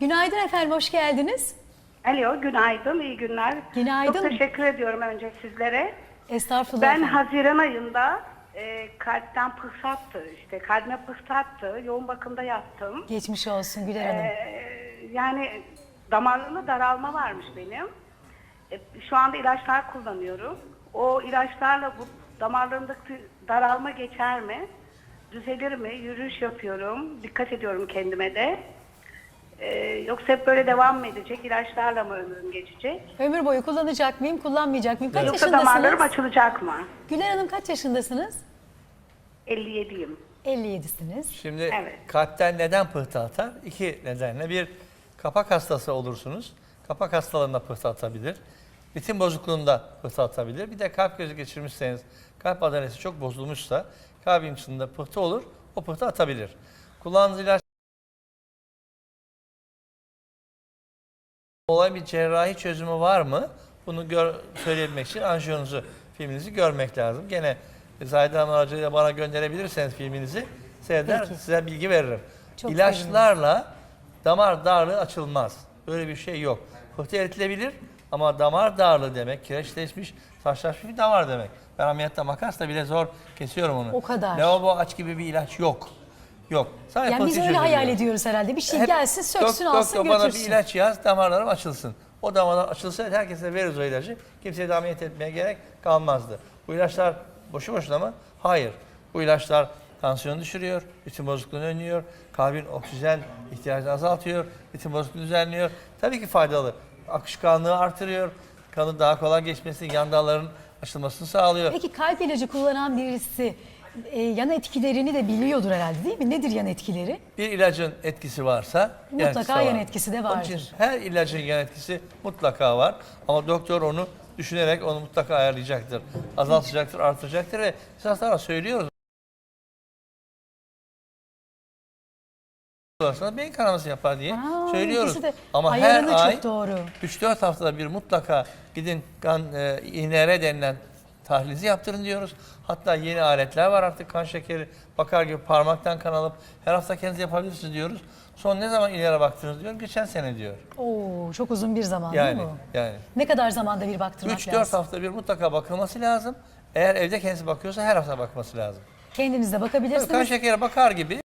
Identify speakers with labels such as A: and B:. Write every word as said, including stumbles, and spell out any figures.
A: Günaydın efendim, hoş geldiniz.
B: Alo, günaydın, iyi günler.
A: Günaydın.
B: Çok teşekkür ediyorum önce sizlere.
A: Estağfurullah
B: Ben
A: efendim.
B: Haziran ayında e, kalpten pıhsattı, işte kalbime pıhsattı, yoğun bakımda yattım.
A: Geçmiş olsun Güler Hanım.
B: E, yani damarlarımda daralma varmış benim. E, şu anda ilaçlar kullanıyorum. O ilaçlarla bu damarlarımdaki daralma geçer mi? Düzelir mi? Yürüyüş yapıyorum, dikkat ediyorum kendime de. Ee, yoksa hep böyle devam mı edecek? İlaçlarla mı ömrüm geçecek?
A: Ömür boyu kullanacak mıyım, kullanmayacak mıyım? Kaç
B: Yoksa damarlarım
A: yaşındasınız?
B: açılacak mı?
A: Güler Hanım kaç yaşındasınız?
B: elli yediyim.
A: elli yedisiniz.
C: Şimdi
B: Evet.
C: kalpten neden pıhtı atar? İki nedenle. Bir, kapak hastası olursunuz. Kapak hastalığında pıhtı atabilir. Ritim bozukluğunda pıhtı atabilir. Bir de kalp krizi geçirmişseniz, kalp adaleti çok bozulmuşsa kalbin içinde pıhtı olur, o pıhtı atabilir. Kullandığınız ilaç olay bir cerrahi çözümü var mı? Bunu gör, söyleyebilmek için anjiyonuzu, filminizi görmek lazım. Gene Zahide Hanım aracılığıyla bana gönderebilirseniz filminizi seyreder,
A: Peki.
C: size bilgi veririm.
A: Çok
C: İlaçlarla damar darlığı açılmaz. Böyle bir şey yok. Pıhtı eritilebilir ama damar darlığı demek, kireçleşmiş, taşlaşmış bir damar demek. Ben ameliyatta makasla bile zor kesiyorum onu.
A: O kadar.
C: Lavabo aç gibi bir ilaç yok. Yok. Sadece
A: Yani biz
C: pıhtı
A: öyle
C: çözülüyor.
A: hayal ediyoruz herhalde. Bir şey
C: Hep
A: gelsin, söksün,
C: dok-
A: alsın,
C: doktor bana bir
A: götürsün.
C: ilaç yaz, damarlarım açılsın. O damarlar açılsa herkese veririz o ilacı. Kimseye de ameliyat etmeye gerek kalmazdı. Bu ilaçlar boşu boşuna mı? Hayır. Bu ilaçlar tansiyonu düşürüyor, ritim bozukluğunu önlüyor, kalbin oksijen ihtiyacını azaltıyor, ritim bozukluğunu düzenliyor. Tabii ki faydalı. Akışkanlığı artırıyor, kanın daha kolay geçmesini, yan dalların açılmasını sağlıyor.
A: Peki kalp ilacı kullanan birisi e, yan etkilerini de biliyordur herhalde değil mi? Nedir yan etkileri?
C: Bir ilacın etkisi varsa
A: Mutlaka
C: yan
A: yan
C: var.
A: etkisi de
C: Onun için
A: vardır.
C: her ilacın yan etkisi mutlaka var. Ama doktor onu düşünerek onu mutlaka ayarlayacaktır. Azaltacaktır, artıracaktır ve biz hastalara söylüyoruz. Sonra beyin kanaması yapar diye
A: Aa,
C: söylüyoruz.
A: ikisi de
C: Ama her
A: ayarını çok
C: ay
A: doğru.
C: üç dört haftada bir mutlaka gidin kan e, I N R denilen tahlilizi yaptırın diyoruz. Hatta yeni aletler var artık, kan şekeri bakar gibi parmaktan kan alıp her hafta kendiniz yapabilirsiniz diyoruz. Son ne zaman I N R'e baktınız diyor. Geçen sene diyor.
A: Oo, çok uzun bir zaman
C: Yani
A: değil mi?
C: yani
A: Ne kadar zamanda bir baktırmak
C: üç
A: lazım?
C: dört hafta bir mutlaka bakılması lazım. Eğer evde kendisi bakıyorsa her hafta bakması lazım.
A: Kendiniz de
C: Tabii
A: bakabilirsiniz.
C: kan şekeri bakar gibi